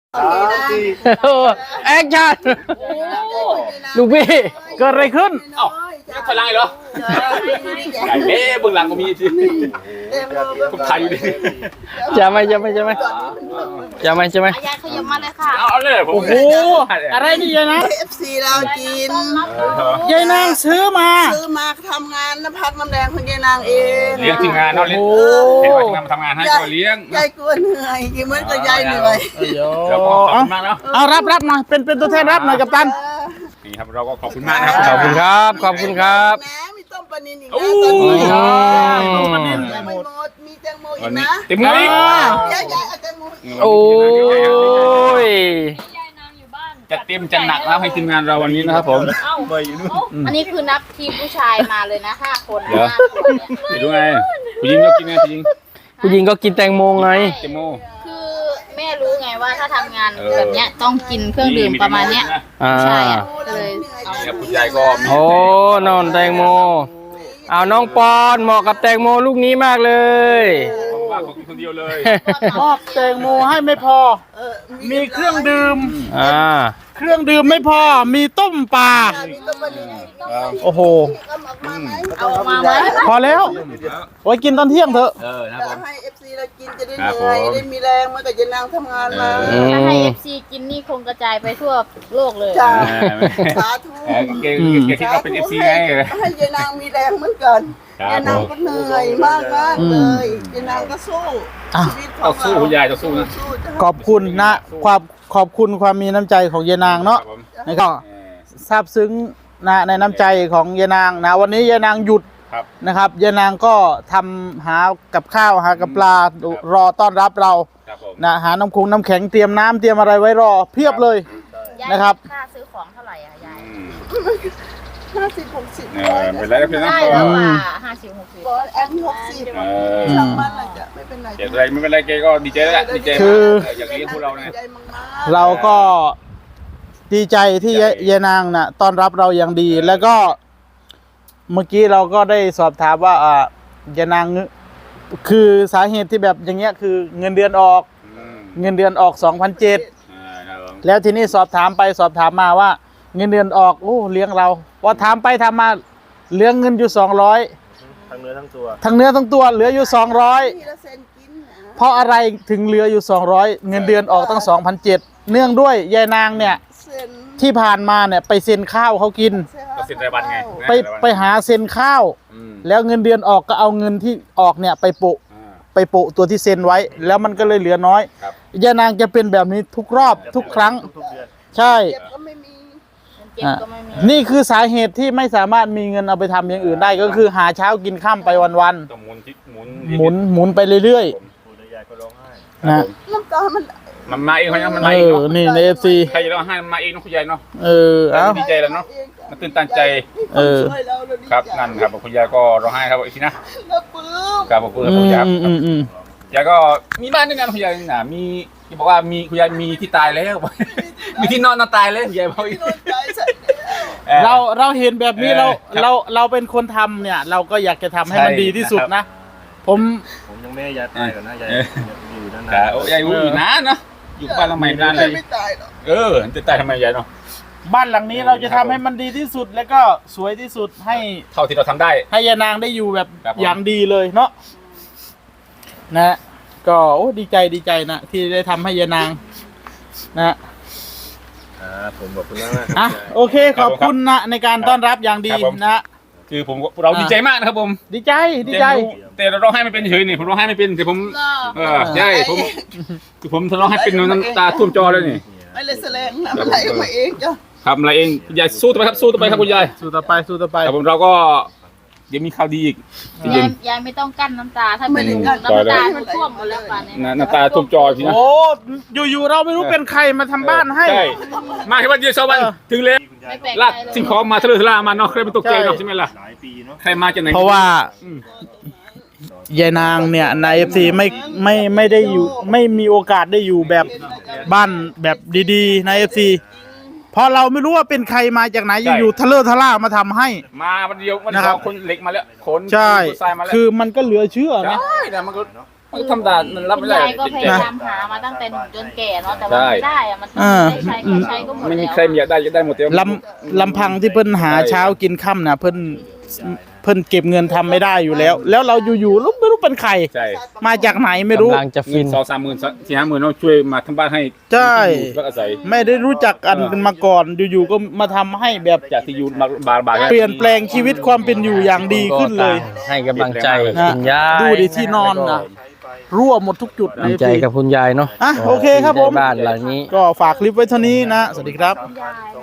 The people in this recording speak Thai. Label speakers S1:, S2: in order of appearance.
S1: แอคชั่นลูกพี่เกิดอะไรขึ้น
S2: เอ้ายังพลังเหรอไก่เล่เบื้องหลังก็มีสิทุกไทยอยู่ดิ
S1: จะไหมยายขยับมาเลยค่ะ
S2: เอาเลยผม
S1: โอ้โหอะไรนี่ยายนะ
S3: FC เรากิน
S1: ยายนางซื้อมา
S3: ทำงานน้ำพักน้ำแดงของยายนางเอง
S2: เลี้ยงทีมงานเนาะเลี้ยงเห็นว่าทีมงานมาทำงานให้ก็เลี้ยง
S3: ยายกลัวเหนื่อยกินเหมือนกับยายเหนื่อย
S2: แล้วก็ขอบคุณมากแล้ว
S1: เอารับหน่อยเป็นตัวแทนรับหน่อยกัปตัน
S2: นี่ครับเราก็ขอบคุณมากนะครับ
S1: ขอบคุณครับแหม
S3: มีต้มปลานิลอีกนะตอนนี้ยังไม่หมดมีแตงโมอีกนะ
S2: เต็มเลย
S3: ยายเอาแตงโม
S1: โอ้ย
S2: จะเต็มจะหนักแล้วให้ทีมงานเราวันนี้นะครับผม
S4: อันนี้คือนับทีมผู้ชายมาเลยนะ5 คน
S2: 5 คนไปดูไงผู้หญิงก็กินไง
S1: ผู้หญิงก็กินแตงโมไง
S2: แตงโม
S4: คือแม่รู้ไงว่าถ้าทำงานแบบเนี้ยต้องกินเครื่องดื่มประมาณเนี้ยใช่เลย
S2: เอาคุณยายก็
S1: โอ้นอนแตงโมเอาน้องปอนเหมาะกับแตงโมลูกนี้มากเลย
S2: ว่าของคนเดียวเลย
S1: มอบแตงโมให้ไม่พอมีเครื่องดื่มเครื่องดื่มไม่พอมีต้มปลาโอ้โห
S4: เอามาไว้
S1: พอแล้วไว้กินตอนเที่ยงเถอะ
S2: นะผม
S3: ให้ FC เรากินจะได้เหนื่อยได้มีแรงเมื่อกี้จะนั่งทำงานมา
S4: ถ้าให้ FC กินนี่คงกระจายไปทั่วโลกเลย
S3: สาธุ
S2: เก่งที่เราเป็น FC ไง
S3: ให้ยายนางมีแรงเหมือนกันยายนางก็เหนื่อยมากเลยยายนางก็สู้ชีวิต
S2: ต้องสู้คุณยายต้องสู้นะ
S1: ขอบคุณนะขอบคุณความมีน้ำใจของยายนางเนาะนี่ก็ซาบซึ้งนะในน้ำใจของยายนางนะวันนี้ยายนางหยุดนะครับยายนางก็ทำหากับข้าวหากับปลารอต้อนรับเรานะหาน้ำแข็งเตรียมน้ำเตรียมอะไรไว้รอเพียบเลยนะครับ
S4: ค่าซื้อของเท่าไหร่อะยาย
S3: 50-60
S2: เป็นไรก็เป็น
S4: ได้แล้วว่า50-60
S3: แอน60ช่างมันจะไม่เป็นไร
S2: ไม่เป็นไรเกก็ดีใจแล้วดีใจอย่างนี้พวกเราเนี่ย
S1: เราก็ดีใจที่ยายนางน่ะต้อนรับเราอย่างดีแล้วก็เมื่อกี้เราก็ได้สอบถามว่ายายนางคือสาเหตุที่แบบอย่างเงี้ยคือเงินเดือนออก2,700แล้วทีนี้สอบถามไปสอบถามมาว่าเงินเดือนออกเลี้ยงเราพอถามไปถามมาเหลือเงินอยู่200ทั้งเนื้อทั้งตัวเหลืออยู่200เพราะอะไรถึงเหลืออยู่200เงินเดือนออกตั้ง2,700เนื่องด้วยยายนางเนี่ยที่ผ่านมาเนี่ยไปเซ็นข้าวเขากิน
S2: เซ็นรายวันไง
S1: ไปหาเซ็นข้าวแล้วเงินเดือนออกก็เอาเงินที่ออกเนี่ยไปโปะตัวที่เซ็นไว้แล้วมันก็เลยเหลือน้อยยายนางจะเป็นแบบนี้ทุกรอบทุกครั้งใช่นี่คือสาเหตุที่ไม่สามารถมีเงินเอาไปทำอย่างอื่นได้ก็คือหาเช้ากินค่ำไปวันๆหมุนไปเรื่อยๆนะ
S3: น้ำตา
S2: มันมาเองมันมาเอง
S1: นี่ใน FC
S2: ใครจะร้องไห้มันมาเองน้องคุณยายเนาะดีใจแล้วเนาะมันตื่นตันใจครับนั่นครับคุณยายก็ร้องไห้ครับอีกทีนะครับขอบคุณคุณยายยายก็มีบ้านด้วยกันคุณยายน่ะมีบอกว่ามีคุณยายมีที่ตายแล้วมีที่นอนตายเลยยายบอก
S1: เราเห็นแบบนี้เราเป็นคนทำเนี่ยเราก็อยากจะทำให้มันดีที่สุดนะผม
S5: ยังไม่ยายตายก่อนนะยายอยู่นั่นนะ
S2: ยายอยู่นานนะอยู่บ้านหลังใหม่นานเลย
S3: ไม่ตายหรอก
S2: จะตายทำไมยายเนาะ
S1: บ้านหลังนี้เราจะทำให้มันดีที่สุดแล้วก็สวยที่สุดให้
S2: เท่าที่เราทำได้
S1: ให้ยายนางได้อยู่แบบอย่างดีเลยเนาะนะก็ดีใจนะที่ได้ทำให้ยายนางนะ
S5: ผมบอกคุณแล้ว
S1: นะโอเคขอบคุณนะในการต้อนรับอย่างดีนะ
S2: คือเราดีใจมากนะครับผม
S1: ดีใจ
S2: แต่เราร้องไห้ไม่เป็นเฉยนี่ผมร้องไห้ไม่เป็นแต่ผมใช่ผมร้องไห้เป็นน้ำตาท่วมจอเลยนี่
S3: ไม่เลยแสดงนะอะไรมาเองจ้ะ
S2: ทำอะไรเองยายสู้ต่อไปครับสู้ต่อไปครับคุณยาย
S1: สู้ต่อไป
S2: แต่ผมเราก็ยังมีข่าวดีอีก
S4: ยายไม่ต้องกั้นน้ำตาถ้าไม่กั้นน้ำตามันท่วมหมดแล้วป่านนี้
S2: น้ำตาท่วมจอทีนะ
S1: โอ้อยู่เราไม่รู้เป็นใครมาทำบ้านให้
S2: มาแค่วันเดียว2 วันถึงเลยลากสิ่งของมาทะเลทลามาเนาะใครเป็นตกใจเนาะใช่ไหมล่ะใครมาจากไหน
S1: เพราะว่ายายนางเนี่ยใน FC ไม่ได้อยู่ไม่มีโอกาสได้อยู่แบบบ้านแบบดีๆใน FC เพราะเราไม่รู้ว่าเป็นใครมาจากไหนอยู่ทะเลทล่ามาทำให้
S2: มาวันเดียวนะครับคนเหล็กมาแล้วคน
S1: ใช่คือมันก็เหลือเชื่อนะ
S2: ใช่แต่มันก็มันธรรมดามันรับ
S4: คุ
S2: ไม่
S4: ณ
S2: ได้
S4: ยายก็พยายามหามาตั้งแต่หนุ่มจนแก่เนาะแต่ว่าไม่ได้อะมันได้ใช้ก็ใช้ก็หมด
S2: ไม่มี
S4: แล้ว
S2: ใครอยากได้หมดเต็ม
S1: ลำพังที่เพิ่นหาเช้ากินค่ำน่ะเพิ่นเก็บเงินทำไม่ได้อยู่แล้ว แล้วเราอยู่ๆไม่รู้เป็นใคร
S2: ใช่
S1: มาจากไหนไม่รู้
S6: กำลังจะ
S2: เงิ
S6: ฟิ
S2: น
S6: น
S2: 2-3 หมื่น4-5 หมื่นเนาะช่วยมาทำบ้านให้
S1: ใช่
S2: พักอาศัย
S1: ไม่ได้รู้จักกันมาก่อนอยู่ๆก็มาทำให้แบบ
S2: จากที่อยู่บาร์
S1: เปลี่ยนแปลงชีวิตความเป็นอยู่อย่างดีขึ้นเลย
S6: ให้กำลังใจ
S1: นะ
S6: คุณยาย
S1: ดูดิที่นอนนะรั่วหมดทุกจุดเลย
S6: ดีใจกับคุณยายเนาะ
S1: อ่ะโอเคครับผม
S6: ที่ได้บ้านหลังนี้
S1: ก็ฝากคลิปไว้เท่านี้นะ สวัสดีครับ
S4: คุณยาย